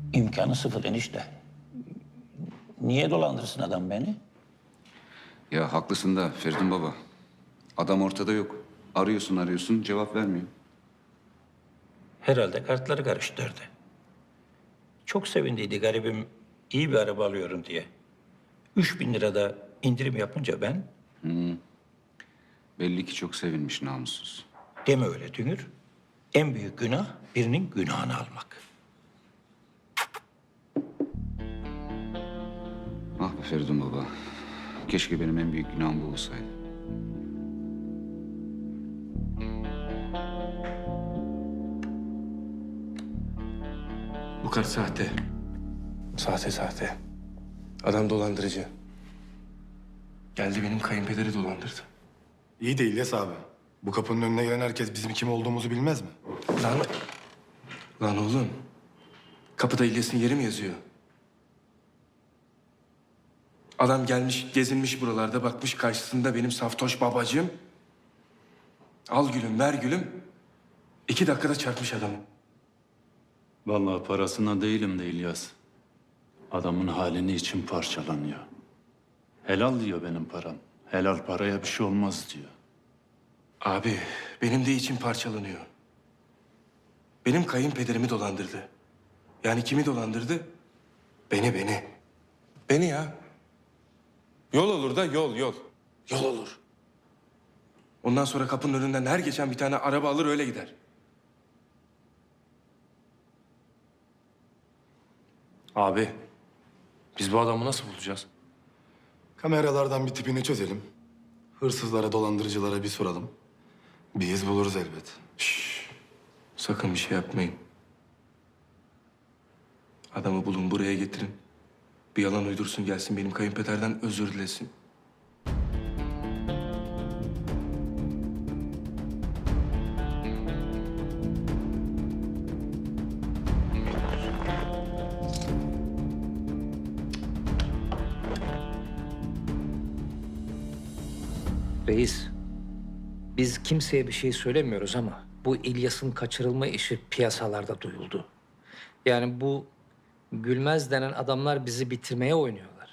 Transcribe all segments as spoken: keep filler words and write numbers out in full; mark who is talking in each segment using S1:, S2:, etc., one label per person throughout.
S1: İmkanı sıfır enişte. Niye dolandırsın adam beni?
S2: Ya haklısın da Feridun baba. Adam ortada yok. Arıyorsun arıyorsun cevap vermiyor.
S1: Herhalde kartları karıştırdı. Çok sevindiydi garibim iyi bir araba alıyorum diye. Üç bin lirada indirim yapınca ben
S2: Belli ki çok sevinmiş namussuz.
S1: deme öyle Dünür. En büyük günah birinin günahını almak.
S2: Ah be Feridun baba. Keşke benim en büyük günahım bu olsaydı.
S3: Bu kart sahte. Sahte sahte. Adam dolandırıcı. Geldi benim kayınpederi dolandırdı.
S4: İyi de İlyas abi. Bu kapının önüne gelen herkes bizim kim olduğumuzu bilmez mi?
S3: Lan, lan oğlum. Kapıda İlyas'ın yeri mi yazıyor? Adam gelmiş, gezinmiş buralarda, bakmış karşısında benim saftoş babacığım. Al gülüm, ver gülüm. İki dakikada çarpmış adamı.
S5: Vallahi parasına değilim de İlyas. Adamın halini için parçalanıyor. Helal diyor benim param. Helal paraya bir şey olmaz diyor.
S3: Abi, benim de içim parçalanıyor. Benim kayınpederimi dolandırdı. Yani kimi dolandırdı? Beni, beni. Beni ya. Yol olur da yol, yol. Yol olur. Ondan sonra kapının önünden her geçen bir tane araba alır öyle gider. Abi, biz bu adamı nasıl bulacağız?
S4: Kameralardan bir tipini çözelim. Hırsızlara, dolandırıcılara bir soralım. Bir iz buluruz elbet.
S3: Sakın bir şey yapmayın. Adamı bulun, buraya getirin. Bir yalan uydursun gelsin, benim kayınpederden özür dilesin.
S6: Reis, biz kimseye bir şey söylemiyoruz ama bu İlyas'ın kaçırılma işi piyasalarda duyuldu. Yani bu Gülmez denen adamlar bizi bitirmeye oynuyorlar.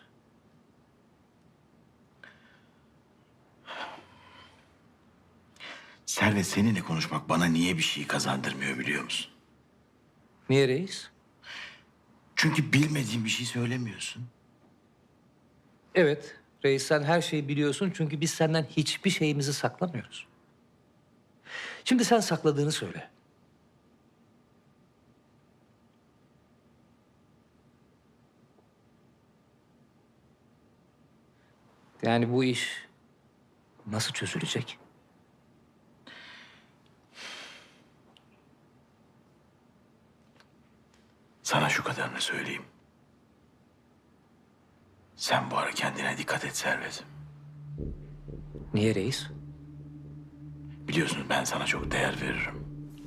S7: Servet, seninle konuşmak bana niye bir şey kazandırmıyor biliyor musun?
S6: Niye reis?
S7: Çünkü bilmediğin bir şey söylemiyorsun.
S6: Evet, reis sen her şeyi biliyorsun çünkü biz senden hiçbir şeyimizi saklamıyoruz. Şimdi sen sakladığını söyle. Yani bu iş nasıl çözülecek?
S7: Sana şu kadarını söyleyeyim. Sen bu ara kendine dikkat et Servet.
S6: Niye reis?
S7: Biliyorsun ben sana çok değer veririm.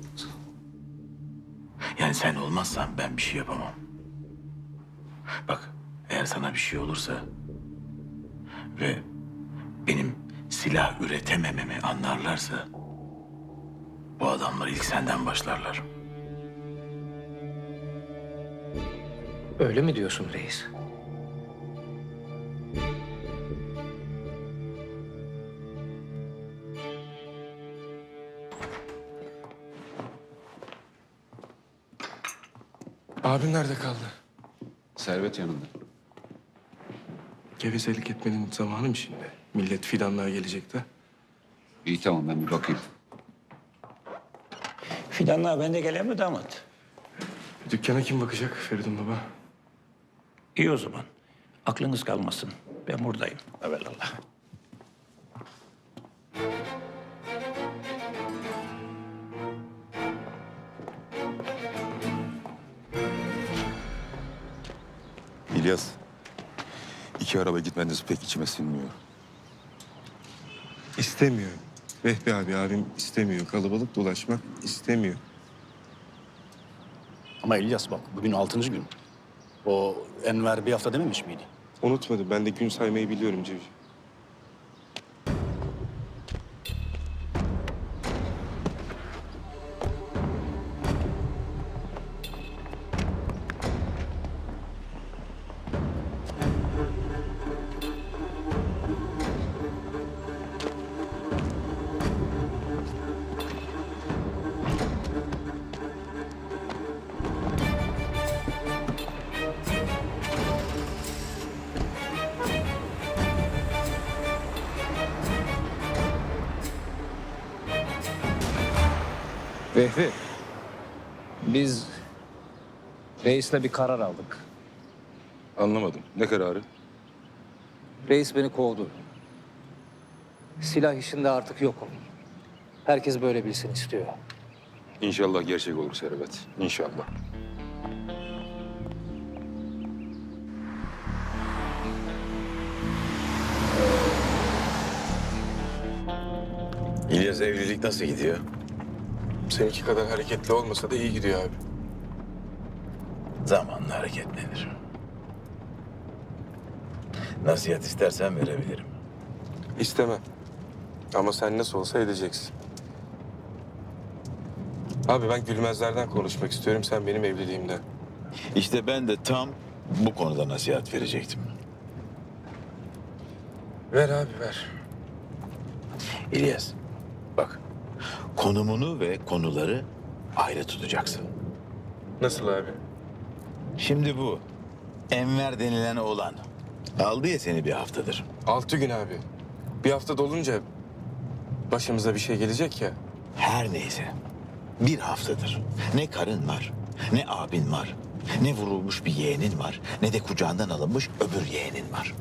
S7: Yani sen olmazsan ben bir şey yapamam. Bak, eğer sana bir şey olursa ve benim silah üretemememi anlarlarsa bu adamlar ilk senden başlarlar.
S6: Öyle mi diyorsun reis?
S3: Abim nerede kaldı?
S2: Servet yanında.
S3: Gevezelik etmenin zamanı mı şimdi? Millet fidanlığa gelecek de.
S2: İyi tamam ben bir bakayım.
S1: Fidanlar ben de geleyim mi damat?
S3: Dükkana kim bakacak Feridun baba?
S1: İyi o zaman. Aklınız kalmasın. Ben buradayım. Evelallah.
S8: İlyas, iki araba gitmeniz pek içime sinmiyor.
S3: İstemiyor. Vehbi abi abim istemiyor. Kalabalık dolaşmak istemiyor.
S9: Ama İlyas bak bugün altıncı gün. O Enver bir hafta dememiş miydi?
S3: Unutmadım. Ben de gün saymayı biliyorum Cevci.
S6: Vehbi, biz reisle bir karar aldık.
S8: Anlamadım. Ne kararı?
S6: Reis beni kovdu. Silah işinde artık yokum. Herkes böyle bilsin istiyor.
S8: İnşallah gerçek olur Servet. İnşallah.
S7: İlyas, evlilik nasıl gidiyor?
S3: Seninki kadar hareketli olmasa da iyi gidiyor abi.
S7: Zamanla hareketlenir. Nasihat istersen verebilirim.
S3: İstemem. Ama sen nasıl olsa edeceksin. Abi ben Gülmezler'den konuşmak istiyorum, sen benim evliliğimden.
S7: İşte ben de tam bu konuda nasihat verecektim.
S3: Ver abi ver.
S7: İlyas, bak. Konumunu ve konuları ayrı tutacaksın.
S3: Nasıl abi?
S7: Şimdi bu Enver denilen oğlan aldı ya seni bir haftadır.
S3: Altı gün abi. Bir hafta dolunca başımıza bir şey gelecek ya.
S7: Her neyse bir haftadır ne karın var, ne abin var, ne vurulmuş bir yeğenin var, ne de kucağından alınmış öbür yeğenin var.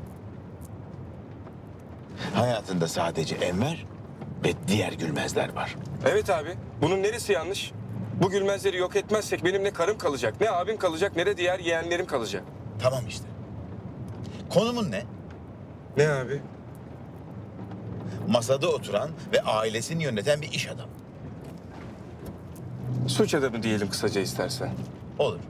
S7: Hayatında sadece Enver ve diğer Gülmezler var.
S3: Evet abi. Bunun neresi yanlış? Bu Gülmezleri yok etmezsek benim ne karım kalacak, ne abim kalacak, ne de diğer yeğenlerim kalacak.
S7: Tamam işte. Konumun ne?
S3: Ne abi?
S7: Masada oturan ve ailesini yöneten bir iş adamı.
S3: Suç adamı diyelim kısaca istersen.
S7: Olur.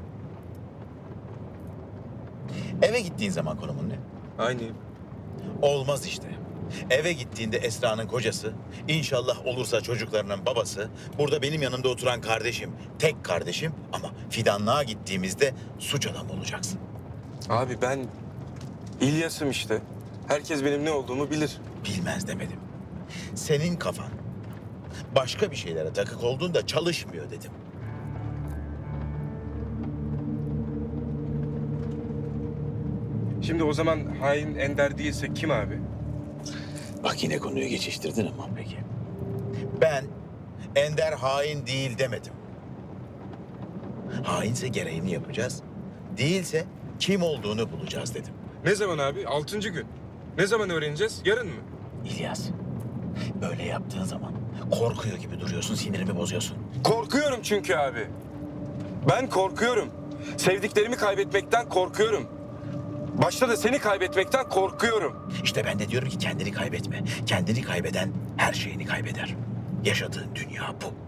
S7: Eve gittiğin zaman konumun ne?
S3: Aynı.
S7: Olmaz işte. Eve gittiğinde Esra'nın kocası, inşallah olursa çocuklarının babası, burada benim yanımda oturan kardeşim, tek kardeşim ama fidanlığa gittiğimizde suç adamı olacaksın.
S3: Abi ben İlyas'ım işte. Herkes benim ne olduğumu bilir.
S7: Bilmez demedim. Senin kafan başka bir şeylere takık olduğunda çalışmıyor dedim.
S3: Şimdi o zaman hain Ender değilse kim abi?
S7: Bak yine konuyu geçiştirdin ama peki. Ben Ender hain değil demedim. Hainse gereğini yapacağız. Değilse kim olduğunu bulacağız dedim.
S3: Ne zaman abi? Altıncı gün. Ne zaman öğreneceğiz? Yarın mı?
S7: İlyas, böyle yaptığın zaman korkuyor gibi duruyorsun, sinirimi bozuyorsun.
S3: Korkuyorum çünkü abi. Ben korkuyorum. Sevdiklerimi kaybetmekten korkuyorum. Başta da seni kaybetmekten korkuyorum.
S7: İşte ben de diyorum ki kendini kaybetme. Kendini kaybeden her şeyini kaybeder. Yaşadığın dünya bu.